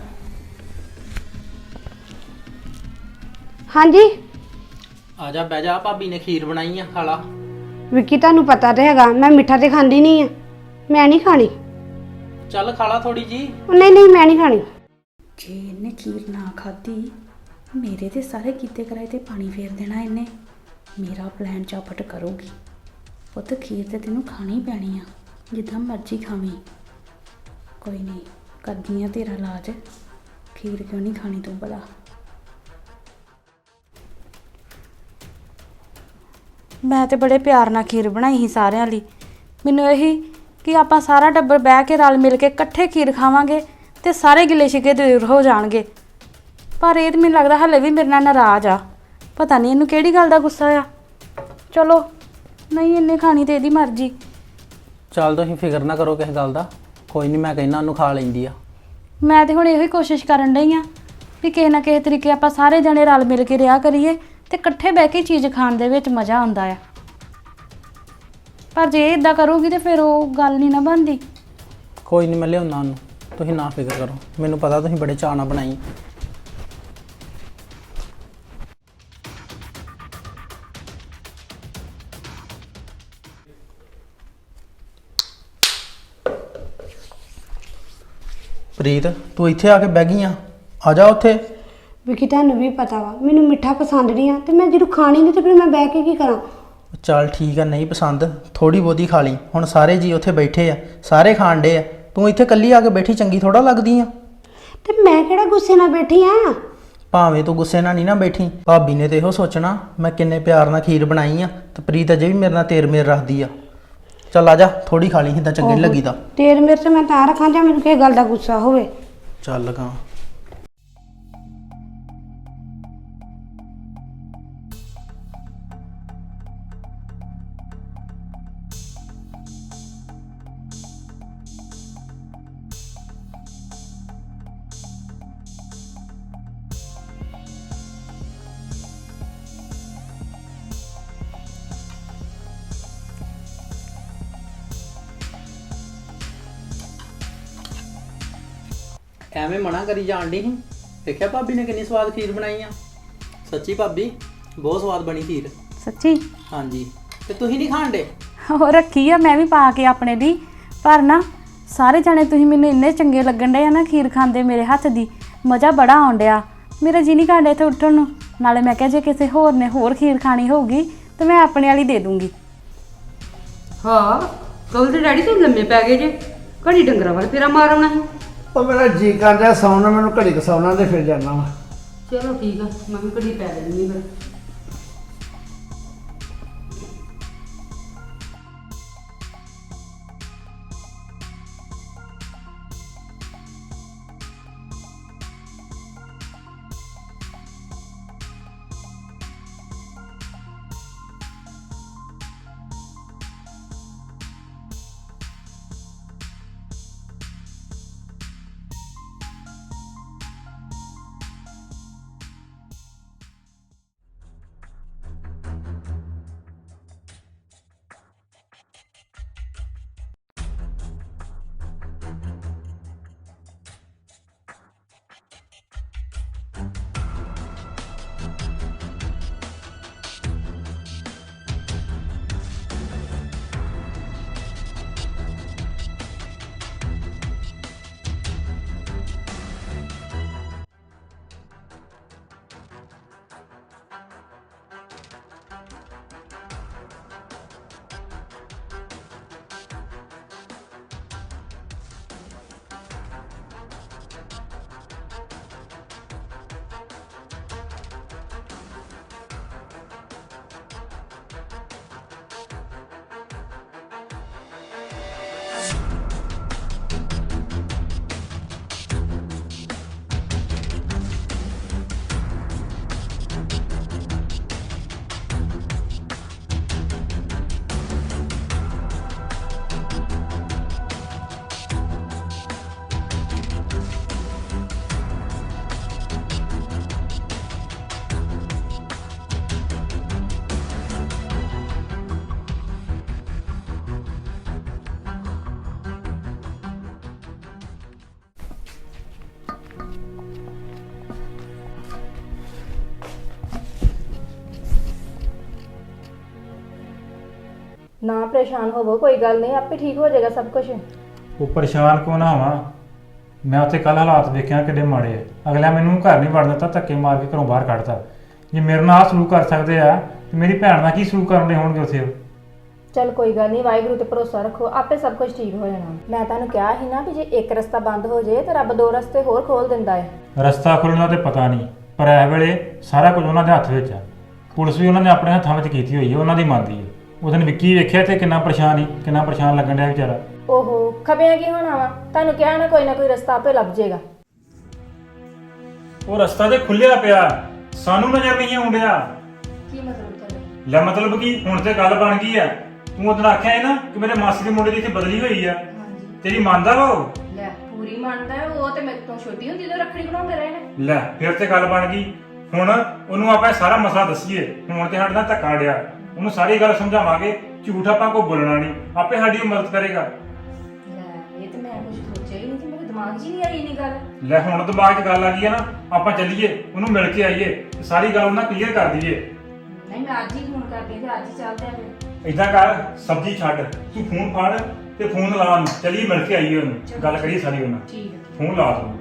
S1: ਹਾਂਜੀ
S4: ਆ ਜਾ, ਬਹਿ ਜਾ। ਭਾਬੀ ਨੇ ਖੀਰ ਬਣਾਈ ਆ, ਖਾ ਲਾ।
S1: ਵਿੱਕੀ ਤੁਹਾਨੂੰ ਪਤਾ ਤੇ ਹੈਗਾ ਮੈਂ ਮਿੱਠਾ ਤੇ ਖਾਂਦੀ ਨਹੀਂ ਆ, ਮੈਂ ਨਹੀਂ ਖਾਣੀ।
S4: ਚੱਲ ਖਾ ਲਾ ਥੋੜੀ ਜੀ।
S1: ਉਹ ਨਹੀਂ ਨਹੀਂ ਮੈਂ ਨਹੀਂ ਖਾਣੀ।
S6: ਜੇ ਇਹਨੇ ਖੀਰ ਨਾ ਖਾਧੀ, ਮੇਰੇ ਤੇ ਸਾਰੇ ਕੀਤੇ ਕਰਾਏ ਤੇ ਪਾਣੀ ਫੇਰ ਦੇਣਾ ਇਹਨੇ। ਮੇਰਾ ਪਲਾਨ ਚਾਪਟ ਕਰੂਗੀ। ਪੁੱਤ ਖੀਰ ਤੇ ਤੈਨੂੰ ਖਾਣੀ ਪੈਣੀ ਆ, ਜਿੱਦਾਂ ਮਰਜ਼ੀ ਖਾਵੀਂ। ਕੋਈ ਨਹੀਂ, ਕਰਦੀ ਆ ਤੇਰਾ ਇਲਾਜ। ਖੀਰ ਕਿਉਂ ਨਹੀਂ ਖਾਣੀ ਤੂੰ ਭਲਾ? ਮੈਂ ਤੇ ਬੜੇ ਪਿਆਰ ਨਾਲ ਖੀਰ ਬਣਾਈ ਸੀ ਸਾਰਿਆਂ ਲਈ। ਮੈਨੂੰ ਇਹੀ ਕਿ ਆਪਾਂ ਸਾਰਾ ਟੱਬਰ ਬਹਿ ਕੇ ਰਲ ਮਿਲ ਕੇ ਇਕੱਠੇ ਖੀਰ ਖਾਵਾਂਗੇ ਤੇ ਸਾਰੇ ਗਿਲੇ ਸ਼ਿਕਵੇ ਦੂਰ ਹੋ ਜਾਣਗੇ। ਪਰ ਇਹ ਤਾਂ ਮੈਨੂੰ ਲੱਗਦਾ ਹਲੇ ਵੀ ਮੇਰੇ ਨਾਲ ਨਾਰਾਜ਼ ਆ। ਪਤਾ ਨਹੀਂ ਇਹਨੂੰ ਕਿਹੜੀ ਗੱਲ ਦਾ ਗੁੱਸਾ ਆ। ਚਲੋ, ਨਹੀਂ ਇਹਨੇ ਖਾਣੀ ਤੇ ਇਹਦੀ ਮਰਜ਼ੀ।
S4: ਚੱਲ ਤੁਸੀਂ ਫਿਕਰ ਨਾ ਕਰੋ ਕਿਸੇ ਗੱਲ ਦਾ। ਕੋਈ ਨਹੀਂ, ਮੈਂ ਕਹਿੰਦਾ ਉਹਨੂੰ ਖਾ ਲੈਂਦੀ ਆ।
S6: ਮੈਂ ਤੇ ਹੁਣ ਇਹੋ ਹੀ ਕੋਸ਼ਿਸ਼ ਕਰਨ ਡਈ ਆ ਵੀ ਕਿਸੇ ਨਾ ਕਿਸੇ ਤਰੀਕੇ ਆਪਾਂ ਸਾਰੇ ਜਣੇ ਰਲ ਮਿਲ ਕੇ ਰਿਹਾ ਕਰੀਏ ਤੇ ਇਕੱਠੇ ਬਹਿ ਕੇ ਚੀਜ਼ ਖਾਣ ਦੇ ਵਿੱਚ ਮਜ਼ਾ ਆਉਂਦਾ ਆ। ਪਰ ਜੇ ਇਦਾਂ ਕਰੂਗੀ ਤੇ ਫਿਰ ਉਹ ਗੱਲ ਨਹੀਂ ਨਾ ਬਣਦੀ।
S4: ਕੋਈ ਨਹੀਂ, ਮੈਂ ਲਿਆਉਣਾ ਉਹਨੂੰ। ਤੁਸੀਂ ਨਾ ਫਿਕਰ ਕਰੋ, ਮੈਨੂੰ ਪਤਾ ਤੁਸੀਂ ਬੜੇ ਚਾਅ ਨਾਲ ਬਣਾਈ। ਪ੍ਰੀਤ, ਤੂੰ ਇੱਥੇ ਆ ਕੇ ਬਹਿ ਗਈ ਆ। ਆ ਜਾ ਉੱਥੇ।
S1: ਵਿੱਕੀ ਤੁਹਾਨੂੰ ਵੀ ਪਤਾ ਵਾ ਮੈਨੂੰ ਮਿੱਠਾ ਪਸੰਦ ਨਹੀਂ ਆ, ਤੇ ਮੈਂ ਜਦੋਂ ਖਾਣੀ ਨਹੀਂ ਤੇ ਫਿਰ ਮੈਂ ਬਹਿ ਕੇ ਕੀ ਕਰਾਂ?
S4: ਚੱਲ ਠੀਕ ਆ, ਨਹੀਂ ਪਸੰਦ ਥੋੜੀ ਬਹੁਤੀ ਖਾ ਲਈ। ਹੁਣ ਸਾਰੇ ਜੀ ਉੱਥੇ ਬੈਠੇ ਆ, ਸਾਰੇ ਖਾਣ ਡੇ ਆ। ਤੂੰ ਇੱਥੇ ਇਕੱਲੀ ਆ ਕੇ ਬੈਠੀ ਚੰਗੀ ਥੋੜਾ ਲੱਗਦੀ ਆ।
S1: ਤੇ ਮੈਂ ਕਿਹੜਾ ਗੁੱਸੇ ਨਾਲ ਬੈਠੀ ਆ?
S4: ਭਾਵੇਂ ਤੂੰ ਗੁੱਸੇ ਨਾਲ ਨਹੀਂ ਨਾ ਬੈਠੀ, ਭਾਬੀ ਨੇ ਤੇ ਇਹੋ ਸੋਚਣਾ ਮੈਂ ਕਿੰਨੇ ਪਿਆਰ ਨਾਲ ਖੀਰ ਬਣਾਈ ਆ ਤੇ ਪ੍ਰੀਤ ਅਜੇ ਵੀ ਮੇਰੇ ਨਾਲ ਤੇਰ ਮੇਰ ਰੱਖਦੀ ਆ। ਚੱਲ ਆ ਜਾ, ਥੋੜੀ ਖਾ ਲਈ, ਏਦਾਂ ਚੰਗੀ ਨਹੀਂ ਲੱਗੀ ਤਾਂ।
S1: ਤੇਰ ਮੇਰੇ ਤੇ ਮੈਂ ਤਾਂ ਰੱਖਾਂ ਜਾਂ ਮੈਨੂੰ ਕਿਸੇ ਗੱਲ ਦਾ ਗੁੱਸਾ ਹੋਵੇ।
S4: ਚੱਲ ਗਾ। ਐਵੇਂ ਮਨਾ ਕਰੀ ਜਾਣ ਡਈ ਸੀ। ਦੇਖਿਆ ਭਾਬੀ ਨੇ ਕਿੰਨੀ ਸਵਾਦ ਖੀਰ ਬਣਾਈ ਆ। ਸੱਚੀ ਭਾਬੀ, ਬਹੁਤ ਸਵਾਦ ਬਣੀ ਖੀਰ।
S6: ਸੱਚੀ?
S4: ਹਾਂਜੀ। ਤੇ ਤੁਸੀਂ ਨਹੀਂ ਖਾਣ ਡੇ?
S6: ਉਹ ਰੱਖੀ ਆ ਮੈਂ ਵੀ ਪਾ ਕੇ ਆਪਣੇ ਲਈ। ਪਰ ਨਾ ਸਾਰੇ ਜਾਣੇ ਤੁਸੀਂ ਮੈਨੂੰ ਇੰਨੇ ਚੰਗੇ ਲੱਗਣ ਡੇ ਆ ਨਾ ਖੀਰ ਖਾਂਦੇ ਮੇਰੇ ਹੱਥ ਦੀ। ਮਜ਼ਾ ਬੜਾ ਆਉਣ ਡਿਆ। ਮੇਰਾ ਜੀ ਨਹੀਂ ਕਰਦਾ ਇੱਥੇ ਉੱਠਣ ਨੂੰ। ਨਾਲੇ ਮੈਂ ਕਿਹਾ ਜੇ ਕਿਸੇ ਹੋਰ ਨੇ ਹੋਰ ਖੀਰ ਖਾਣੀ ਹੋਊਗੀ ਤੇ ਮੈਂ ਆਪਣੇ ਵਾਲੀ ਦੇ ਦੂੰਗੀ।
S2: ਹਾਂ, ਕਹੋ ਤੇ ਡੈਡੀ ਤੂੰ ਲੰਮੇ ਪੈ ਗਏ ਜੇ। ਘੜੀ ਡੰਗਰਾਂ ਵੱਲ ਫੇਰਾ ਮਾਰ ਆਉਣਾ ਸੀ।
S3: ਉਹ ਮੇਰਾ ਜੀ ਕਰਦਾ ਸੌਣਾ, ਮੈਨੂੰ ਘੜੀ ਕ ਸੌਣਾ ਤੇ ਫਿਰ ਜਾਣਾ ਵਾ।
S2: ਚਲੋ ਠੀਕ ਆ, ਮੈਂ ਵੀ ਘੜੀ ਪੈ ਲੈਂਦੀ ਫਿਰ।
S7: ਨਾ ਪਰੇਸ਼ਾਨ ਹੋਵੋ, ਕੋਈ ਗੱਲ ਨਹੀਂ, ਆਪੇ ਠੀਕ ਹੋ ਜਾਏਗਾ ਸਭ ਕੁਝ।
S8: ਉਹ ਪਰੇਸ਼ਾਨ ਕਿਉਂ ਨਾ ਹੋਵਾਂ? ਮੈਂ ਉੱਥੇ ਕੱਲ ਹਾਲਾਤ ਵੇਖਿਆ ਕਿੱਡੇ ਮਾੜੇ ਆ। ਅਗਲਾ ਮੈਨੂੰ ਘਰ ਨਹੀਂ ਵੜਨ ਦਿੱਤਾ, ਧੱਕੇ ਮਾਰ ਕੇ ਘਰੋਂ ਬਾਹਰ ਕੱਢਤਾ। ਜੇ ਮੇਰੇ ਨਾਲ ਆਹ ਸਲੂਕ ਕਰ ਸਕਦੇ ਆ ਤੇ ਮੇਰੀ ਭੈਣ ਨਾਲ ਕੀ ਸਲੂਕ ਕਰਨੇ ਹੋਣਗੇ ਉੱਥੇ ਉਹ?
S7: ਚਲ ਕੋਈ ਗੱਲ ਨਹੀਂ, ਵਾਹਿਗੁਰੂ ਤੇ ਭਰੋਸਾ ਰੱਖੋ, ਆਪੇ ਸਭ ਕੁਝ ਠੀਕ ਹੋ ਜਾਣਾ। ਮੈਂ ਤੁਹਾਨੂੰ ਕਿਹਾ ਸੀ ਨਾ ਵੀ ਜੇ ਇੱਕ ਰਸਤਾ ਬੰਦ ਹੋ ਜੇ ਤੇ ਰੱਬ ਦੋ ਰਸਤੇ ਹੋਰ ਖੋਲ ਦਿੰਦਾ ਹੈ।
S8: ਰਸਤਾ ਖੁੱਲ੍ਹਣਾ ਤੇ ਪਤਾ ਨਹੀਂ, ਪਰ ਇਸ ਵੇਲੇ ਸਾਰਾ ਕੁਝ ਉਹਨਾਂ ਦੇ ਹੱਥ ਵਿੱਚ ਆ। ਪੁਲਿਸ ਵੀ ਉਹਨਾਂ ਨੇ ਆਪਣੇ ਹੱਥਾਂ ਵਿੱਚ ਕੀਤੀ ਹੋਈ ਹੈ, ਉਹਨਾਂ ਦੀ ਮੰਨਦੀ ਹੈ। ਉਹ ਦਿਨ ਵਿੱਕੀ ਵੇਖਿਆ ਤੇ ਕਿੰਨਾ ਪਰੇਸ਼ਾਨ ਸੀ, ਕਿੰਨਾ ਪਰੇਸ਼ਾਨ ਲੱਗਣ ਡਿਆ ਵਿਚਾਰਾ।
S7: ਓਹੋ, ਖਬਿਆਂ ਕੀ ਹੋਣਾ ਵਾ, ਤੁਹਾਨੂੰ ਕਿਹਾ ਨਾ ਕੋਈ ਨਾ ਕੋਈ ਰਸਤਾ ਆਪੇ ਲੱਭ ਜਾਏਗਾ।
S8: ਉਹ ਰਸਤਾ ਤੇ ਖੁੱਲਿਆ ਪਿਆ, ਸਾਨੂੰ ਨਜ਼ਰ ਨਹੀਂ ਆਉਂਦਿਆ।
S7: ਕੀ ਮਤਲਬ ਤੁਹਾਡਾ?
S8: ਲੈ ਮਤਲਬ ਕੀ, ਹੁਣ ਤੇ ਗੱਲ ਬਣ ਗਈ ਆ। ਤੂੰ ਉਦੋਂ ਆਖਿਆ ਹੈ ਨਾ ਕਿ ਮੇਰੇ ਮਾਸੀ ਦੇ ਮੁੰਡੇ ਦੀ ਇੱਥੇ ਬਦਲੀ ਹੋਈ ਆ, ਤੇਰੀ ਮੰਨਦਾ ਵਾ ਉਹ?
S7: ਲੈ ਪੂਰੀ ਮੰਨਦਾ ਹੈ, ਉਹ ਤੇ ਮੇਰੇ ਤੋਂ ਛੋਟੀ ਹੁੰਦੀ ਤੋਂ ਰੱਖੜੀ ਬਣਾਉਂਦੇ ਰਹੇ ਨੇ।
S8: ਲੈ ਫਿਰ ਤੇ ਗੱਲ ਬਣ ਗਈ। ਹੁਣ ਉਹਨੂੰ ਆਪਾਂ ਇਹ ਸਾਰਾ ਮਸਲਾ ਦੱਸੀਏ। ਹੁਣ ਤੇ ਸਾਡੇ ਨਾਲ ਧੱਕਾ ਡਿਆ, ਉਹਨੂੰ ਸਾਰੀ ਗੱਲ ਸਮਝਾਵਾਂਗੇ। ਝੂਠ ਆਪਾਂ ਕੋਈ ਬੋਲਣਾ ਨਹੀਂ, ਆਪੇ ਸਾਡੀ ਉਹ ਮਦਦ ਕਰੇਗਾ।
S7: ਲੈ ਇਹ ਤੇ ਮੈਂ ਕੁਝ ਸੋਚਿਆ ਹੀ ਨਹੀਂ ਤੇ ਮੇਰੇ ਦਿਮਾਗ 'ਚ ਹੀ ਨਹੀਂ ਆਈ ਇੰਨੀ ਗੱਲ।
S8: ਲੈ ਹੁਣ ਦਿਮਾਗ 'ਚ ਗੱਲ ਆ ਗਈ ਹੈ ਨਾ, ਆਪਾਂ ਚੱਲੀਏ, ਉਹਨੂੰ ਮਿਲ ਕੇ ਆਈਏ, ਤੇ ਸਾਰੀ ਗੱਲ ਉਹਨਾਂ ਕਲੀਅਰ ਕਰ ਦਈਏ।
S7: ਨਹੀਂ ਮੈਂ ਅੱਜ ਹੀ ਫੋਨ ਕਰਦੀ ਤੇ ਅੱਜ ਹੀ ਚੱਲਦੇ ਆਂ ਫਿਰ।
S8: ਏਦਾਂ ਕਰ, ਸਬਜ਼ੀ ਛੱਡ, ਤੂੰ ਫੋਨ ਫੜ ਤੇ ਫੋਨ ਲਾ ਉਹਨੂੰ, ਚੱਲੀਏ ਮਿਲ ਕੇ ਆਈਏ ਉਹਨੂੰ, ਗੱਲ ਕਰੀਏ ਸਾਰੀ ਉਹਨਾਂ।
S7: ਠੀਕ ਹੈ।
S8: ਫੋਨ ਲਾ ਤੂੰ।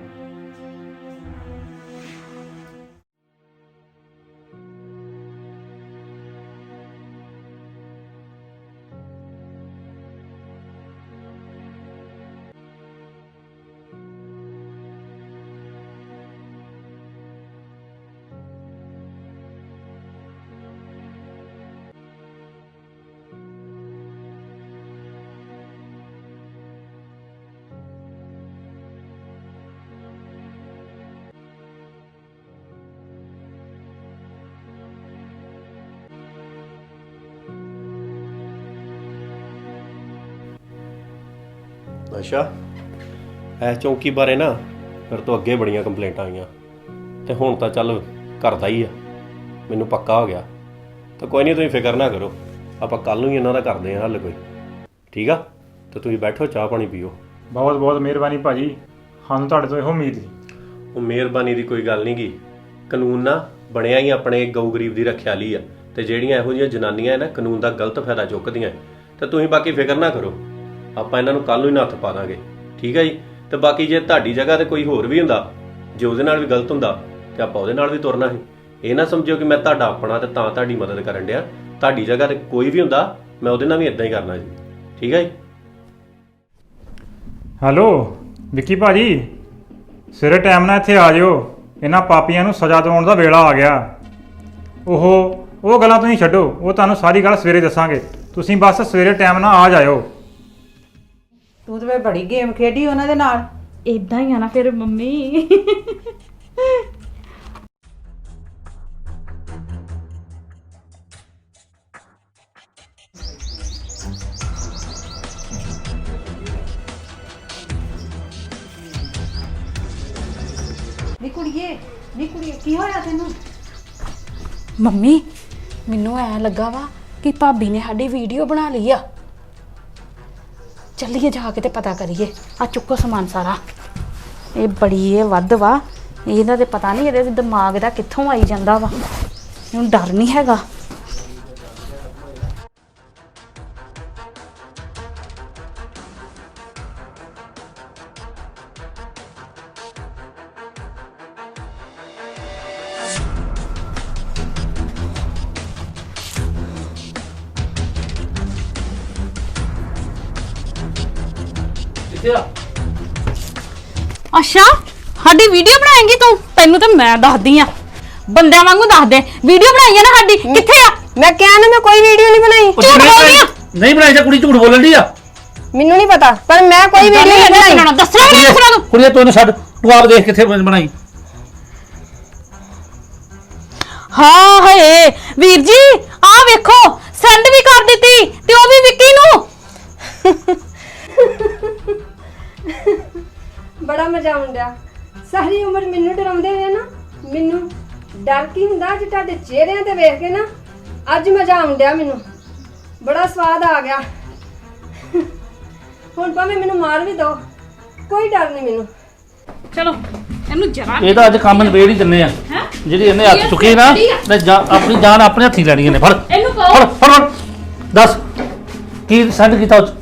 S9: ਅੱਛਾ, ਇਹ ਚੌਂਕੀ ਬਾਰੇ ਨਾ ਫਿਰ ਤੋਂ ਅੱਗੇ ਬੜੀਆਂ ਕੰਪਲੇਂਟਾਂ ਆਈਆਂ ਤੇ ਹੁਣ ਤਾਂ ਚੱਲ ਕਰਦਾ ਹੀ ਆ, ਮੈਨੂੰ ਪੱਕਾ ਹੋ ਗਿਆ। ਤਾਂ ਕੋਈ ਨਹੀਂ, ਤੁਸੀਂ ਫਿਕਰ ਨਾ ਕਰੋ, ਆਪਾਂ ਕੱਲ ਨੂੰ ਹੀ ਇਹਨਾਂ ਦਾ ਕਰਦੇ ਹਾਂ ਹੱਲ ਕੋਈ। ਠੀਕ ਆ, ਤੇ ਤੁਸੀਂ ਬੈਠੋ, ਚਾਹ ਪਾਣੀ ਪੀਓ।
S8: ਬਹੁਤ ਬਹੁਤ ਮਿਹਰਬਾਨੀ ਭਾਜੀ, ਸਾਨੂੰ ਤੁਹਾਡੇ ਤੋਂ ਇਹੋ ਉਮੀਦ ਸੀ।
S9: ਉਹ ਮਿਹਰਬਾਨੀ ਦੀ ਕੋਈ ਗੱਲ ਨਹੀਂ ਗੀ, ਕਾਨੂੰਨ ਨਾ ਬਣਿਆ ਹੀ ਆਪਣੇ ਗਊ ਗਰੀਬ ਦੀ ਰੱਖਿਆ ਲਈ ਆ, ਤੇ ਜਿਹੜੀਆਂ ਇਹੋ ਜਿਹੀਆਂ ਜਨਾਨੀਆਂ ਨਾ ਕਾਨੂੰਨ ਦਾ ਗਲਤ ਫਾਇਦਾ ਚੁੱਕਦੀਆਂ, ਤੇ ਤੁਸੀਂ ਬਾਕੀ ਫਿਕਰ ਨਾ ਕਰੋ, ਆਪਾਂ ਇਹਨਾਂ ਨੂੰ ਕੱਲ ਨੂੰ ਹੀ ਨੱਥ ਪਾ ਦਾਂਗੇ। ਠੀਕ ਹੈ ਜੀ। ਤੇ ਬਾਕੀ ਜੇ ਤੁਹਾਡੀ ਜਗ੍ਹਾ ਤੇ ਕੋਈ ਹੋਰ ਵੀ ਹੁੰਦਾ, ਜੇ ਉਹਦੇ ਨਾਲ ਵੀ ਗਲਤ ਹੁੰਦਾ, ਤੇ ਆਪਾਂ ਉਹਦੇ ਨਾਲ ਵੀ ਤੁਰਨਾ ਸੀ। ਇਹ ਨਾ ਸਮਝਿਓ ਕਿ ਮੈਂ ਤੁਹਾਡਾ ਆਪਣਾ ਤੇ ਤਾਂ ਤੁਹਾਡੀ ਮਦਦ ਕਰਨ ਡਿਆ। ਤੁਹਾਡੀ ਜਗ੍ਹਾ ਤੇ ਕੋਈ ਵੀ ਹੁੰਦਾ, ਮੈਂ ਉਹਦੇ ਨਾਲ ਵੀ ਇਦਾਂ ਹੀ ਕਰਨਾ ਜੀ। ਠੀਕ ਹੈ ਜੀ।
S8: ਹੈਲੋ ਵਿੱਕੀ ਭਾਜੀ, ਸਵੇਰੇ ਟਾਈਮ ਨਾਲ ਇੱਥੇ ਆ ਜਿਓ, ਇਹਨਾਂ ਪਾਪੀਆਂ ਨੂੰ ਸਜ਼ਾ ਦਿਵਾਉਣ ਦਾ ਵੇਲਾ ਆ ਗਿਆ। ਉਹ ਉਹ ਗੱਲਾਂ ਤੁਸੀਂ ਛੱਡੋ, ਉਹ ਤੁਹਾਨੂੰ ਸਾਰੀ ਗੱਲ ਸਵੇਰੇ ਦੱਸਾਂਗੇ। ਤੁਸੀਂ ਬਸ ਸਵੇਰੇ ਟਾਈਮ ਨਾਲ ਆ ਜਾਇਓ।
S5: ਤੂੰ ਤੇ ਬੜੀ ਗੇਮ ਖੇਡੀ ਉਹਨਾਂ ਦੇ ਨਾਲ।
S6: ਇਦਾਂ ਹੀ ਆ ਨਾ ਫਿਰ ਮੰਮੀ।
S5: ਨੀ ਕੁੜੀਏ, ਨੀ ਕੁੜੀਏ, ਕੀ ਹੋਇਆ ਤੈਨੂੰ?
S6: ਮੰਮੀ ਮੈਨੂੰ ਐ ਲੱਗਾ ਵਾ ਕਿ ਭਾਬੀ ਨੇ ਸਾਡੀ ਵੀਡੀਓ ਬਣਾ ਲਈ ਆ। ਚੱਲੀਏ ਜਾ ਕੇ ਤੇ ਪਤਾ ਕਰੀਏ। ਆ ਚੁੱਕੋ ਸਮਾਨ ਸਾਰਾ। ਇਹ ਬੜੀ ਇਹ ਵੱਧ ਵਾ, ਇਹਦਾ ਤੇ ਪਤਾ ਨਹੀਂ ਇਹਦੇ ਦਿਮਾਗ ਦਾ ਕਿੱਥੋਂ ਆਈ ਜਾਂਦਾ ਵਾ। ਇਹਨੂੰ ਡਰ ਨਹੀਂ ਹੈਗਾ। ਅੱਛਾ, ਸਾਡੀ ਵੀਡੀਓ ਬਣਾਏਂਗੀ ਤੂੰ? ਤੈਨੂੰ ਤਾਂ ਮੈਂ ਦੱਸਦੀ ਆ, ਬੰਦਿਆਂ ਵਾਂਗੂ ਦੱਸ ਦੇ। ਵੀਡੀਓ ਬਣਾਈ ਆ ਨਾ ਸਾਡੀ, ਕਿੱਥੇ ਆ?
S10: ਮੈਂ ਕਿਹਾ ਨਾ ਮੈਂ ਕੋਈ ਵੀਡੀਓ ਨਹੀਂ ਬਣਾਈ।
S6: ਝੂਠ ਬੋਲਦੀ ਆ।
S3: ਨਹੀਂ ਬਣਾਈ ਤਾਂ ਕੁੜੀ ਝੂਠ ਬੋਲਣ ਦੀ ਆ।
S10: ਮੈਨੂੰ ਨਹੀਂ ਪਤਾ, ਪਰ ਮੈਂ ਕੋਈ ਵੀਡੀਓ ਨਹੀਂ ਬਣਾਈ।
S6: ਦੱਸਣਾ ਨਹੀਂ ਦੱਸਣਾ ਤੂੰ।
S3: ਕੁੜੀਏ ਤੂੰ ਇਹਨੂੰ ਛੱਡ, ਤੂੰ ਆਪ ਦੇਖ ਕਿੱਥੇ ਬਣਾਈ।
S6: ਹਾਂ ਹਏ ਵੀਰ ਜੀ, ਆ ਵੇਖੋ ਸੈਂਡ ਵੀ ਕਰ ਦਿੱਤੀ, ਤੇ ਉਹ ਵੀ ਵਿੱਕੀ ਨੂੰ।
S10: ਬੜਾ ਮਜ਼ਾ ਆਉਂਦਾ। ਸਾਰੀ ਉਮਰ ਮੈਨੂੰ ਡਰਾਉਂਦੇ ਹੋਏ ਨਾ, ਮੈਨੂੰ ਡਰ ਕੀ ਹੁੰਦਾ, ਅੱਜ ਤੁਹਾਡੇ ਚਿਹਰਿਆਂ ਤੇ ਵੇਖ ਕੇ ਨਾ ਅੱਜ ਮਜ਼ਾ ਆਉਂਦਾ। ਮੈਨੂੰ ਬੜਾ ਸਵਾਦ ਆ ਗਿਆ। ਹੁਣ ਭਾਵੇਂ ਮੈਨੂੰ ਮਾਰ ਵੀ ਦੋ, ਕੋਈ ਡਰ ਨਹੀਂ ਮੈਨੂੰ।
S6: ਚਲੋ ਇਹਨੂੰ ਜਰਾ
S3: ਇਹਦਾ ਅੱਜ ਕੰਮ ਨਵੇੜ ਹੀ ਦਿੰਨੇ ਆ। ਜਿਹੜੀ ਇਹਨੇ ਹੱਥ ਚੁੱਕੀ ਨਾ, ਤੇ ਆਪਣੀ ਜਾਨ ਆਪਣੇ ਹੱਥੀ ਲੈਣੀ ਇਹਨੇ। ਫੜ
S6: ਇਹਨੂੰ ਕਹੋ।
S3: ਫੜ ਫੜ ਦੱਸ ਕੀ ਸੈਂਡ ਕੀਤਾ ਉਹ 'ਚ?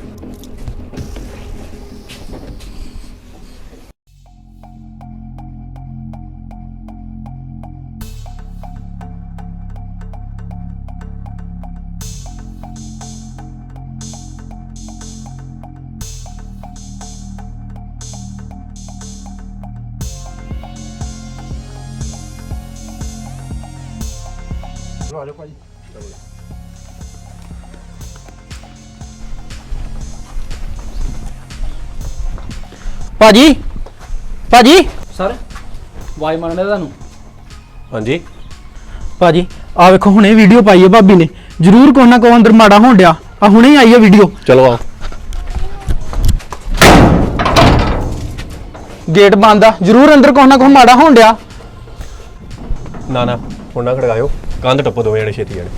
S4: ਭਾਜੀ ਭਾਜੀ
S11: ਸਰ ਵਾਈ ਮੰਨਦੇ ਤੁਹਾਨੂੰ
S9: ਹਾਂਜੀ
S4: ਭਾਜੀ ਆ ਵੇਖੋ ਹੁਣੇ ਵੀਡੀਓ ਪਾਈ ਹੈ ਭਾਬੀ ਨੇ, ਜ਼ਰੂਰ ਕੋਈ ਨਾ ਕੋਈ ਅੰਦਰ ਮਾੜਾ ਹੋਣ ਡਿਆ। ਆ ਹੁਣੇ ਹੀ ਆਈ ਹੈ ਵੀਡੀਓ।
S9: ਚਲੋ ਆ
S4: ਗੇਟ ਬੰਦ ਆ, ਜ਼ਰੂਰ ਅੰਦਰ ਕੋਈ ਨਾ ਕੋਈ ਮਾੜਾ ਹੋਣ ਡਿਆ।
S9: ਨਾ ਨਾ ਹੁਣ ਨਾ ਖੜਕਾਇਓ, ਕੰਧ ਟੱਪੋ ਦੋਵੇਂ ਜਣੇ ਛੇਤੀ ਜਣੇ।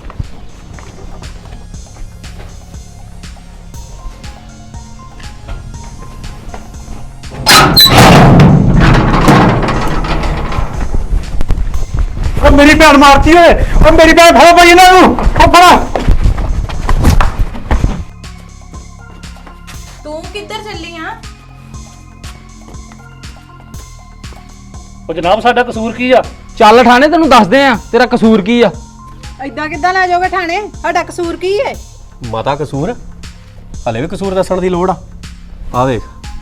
S8: ਉਹ ਮੇਰੀ ਭੈਣ ਮਾਰਤੀ ਓਏ, ਉਹ ਮੇਰੀ ਭੈਣ ਫੜੋ ਭਾਈ ਇਹਨਾਂ ਨੂੰ, ਉਹ ਫੜਾ।
S12: ਤੂੰ ਕਿੱਧਰ ਚੱਲੀ ਆ?
S11: ਉਹ ਜਨਾਬ ਸਾਡਾ ਕਸੂਰ ਕੀ ਆ?
S4: ਚੱਲ ਠਾਣੇ ਤੈਨੂੰ ਦੱਸਦੇ ਆ ਤੇਰਾ ਕਸੂਰ ਕੀ ਆ।
S5: ਐਦਾਂ ਕਿੱਦਾਂ ਲੈ ਜਾਓਗੇ ਥਾਣੇ? ਸਾਡਾ ਕਸੂਰ ਕੀ ਹੈ?
S9: ਮਾਤਾ ਕਸੂਰ ਹਲੇ ਵੀ ਕਸੂਰ ਦੱਸਣ ਦੀ ਲੋੜ ਆ? ਆ ਵੇਖ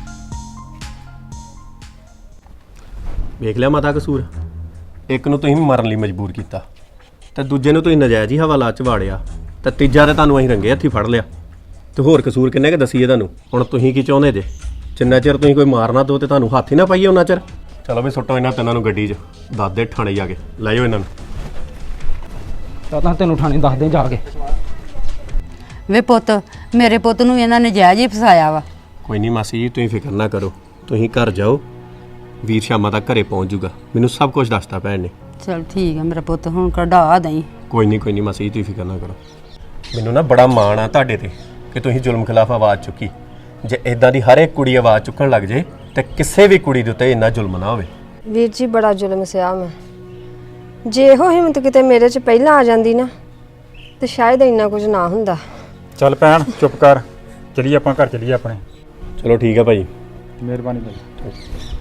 S9: ਵੇਖ ਲਿਆ ਮਾਤਾ ਕਸੂਰ। ਇੱਕ ਨੂੰ ਤੁਸੀਂ ਮਰਨ ਲਈ ਮਜਬੂਰ ਕੀਤਾ ਤੇ ਦੂਜੇ ਨੂੰ ਤੁਸੀਂ ਨਜਾਇਜ਼ ਹੀ ਹਵਾਲਾ ਚ ਵਾੜਿਆ ਤੇ ਤੀਜਾ ਤੇ ਤੁਹਾਨੂੰ ਅਸੀਂ ਰੰਗੇ ਹੱਥੀ ਫੜ ਲਿਆ। ਤੇ ਹੋਰ ਕਸੂਰ ਕਿੰਨੇ ਕਿ ਦਸੀਏ ਤੁਹਾਨੂੰ? ਹੁਣ ਤੁਸੀਂ ਕੀ ਚਾਹੁੰਦੇ ਜੇ? ਜਿੰਨਾ ਚਿਰ ਤੁਸੀਂ ਕੋਈ ਮਾਰ ਨਾ ਦਿਓ ਤੇ ਤੁਹਾਨੂੰ ਹੱਥ ਹੀ ਨਾ ਪਾਈਏ ਉਹਨਾਂ ਚਿਰ। ਚਲੋ ਵੀ ਸੁੱਟੋ ਇਹਨਾਂ ਤਿੰਨਾਂ ਨੂੰ ਗੱਡੀ 'ਚ, ਦੱਸ ਦੇ ਥਾਣੇ ਜਾ ਕੇ ਲੈ ਜਾਓ ਇਹਨਾਂ ਨੂੰ।
S4: ਤਾਂ ਤੈਨੂੰ ਠਾਣੇ ਦੱਸਦੇ ਜਾ ਕੇ।
S2: ਵੇ ਪੁੱਤ, ਮੇਰੇ ਪੁੱਤ ਨੂੰ ਇਹਨਾਂ ਨੇ ਜਾਇਜ਼ ਹੀ ਫਸਾਇਆ ਵਾ।
S9: ਕੋਈ ਨਹੀਂ ਮਾਸੀ ਜੀ, ਤੁਸੀਂ ਫਿਕਰ ਨਾ ਕਰੋ, ਤੁਸੀਂ ਘਰ ਜਾਓ, ਵੀਰ ਸ਼ਾਮਾਂ ਤੱਕ ਘਰੇ ਪਹੁੰਚ ਜੂਗਾ। ਮੈਨੂੰ ਸਭ ਕੁਝ ਦੱਸਤਾ ਭੈਣ ਨੇ।
S2: ਚਲ ਠੀਕ ਹੈ ਮੇਰਾ ਪੁੱਤ, ਹੁਣ ਕਢਾ ਦਈ।
S9: ਕੋਈ ਨਹੀਂ ਕੋਈ ਨਹੀਂ ਮਾਸੀ ਜੀ, ਤੁਸੀਂ ਫਿਕਰ ਨਾ ਕਰੋ। ਮੈਨੂੰ ਨਾ ਬੜਾ ਮਾਣ ਆ ਤੁਹਾਡੇ ਤੇ ਕਿ ਤੁਸੀਂ ਜ਼ੁਲਮ ਖਿਲਾਫ ਆਵਾਜ਼ ਚੁੱਕੀ। ਜੇ ਇਦਾਂ ਦੀ ਹਰ ਇੱਕ ਕੁੜੀ ਆਵਾਜ਼ ਚੁੱਕਣ ਲੱਗ ਜੇ ਤੇ ਕਿਸੇ ਵੀ ਕੁੜੀ ਦੇ ਉੱਤੇ ਇੰਨਾ ਜ਼ੁਲਮ ਨਾ ਹੋਵੇ।
S10: ਵੀਰ ਜੀ ਬੜਾ ਜ਼ੁਲਮ ਸਿਆ ਮੈਂ, ਜੇ ਇਹੋ ਹਿੰਮਤ ਕਿਤੇ ਮੇਰੇ 'ਚ ਪਹਿਲਾਂ ਆ ਜਾਂਦੀ ਨਾ ਤੇ ਸ਼ਾਇਦ ਇੰਨਾ ਕੁਝ ਨਾ ਹੁੰਦਾ।
S8: ਚੱਲ ਭੈਣ ਚੁੱਪ ਕਰ, ਚਲੀਏ ਆਪਾਂ ਘਰ ਚਲੀਏ ਆਪਣੇ।
S9: ਚਲੋ ਠੀਕ ਹੈ ਭਾਈ।
S8: ਮਿਹਰਬਾਨੀ ਭਾਈ।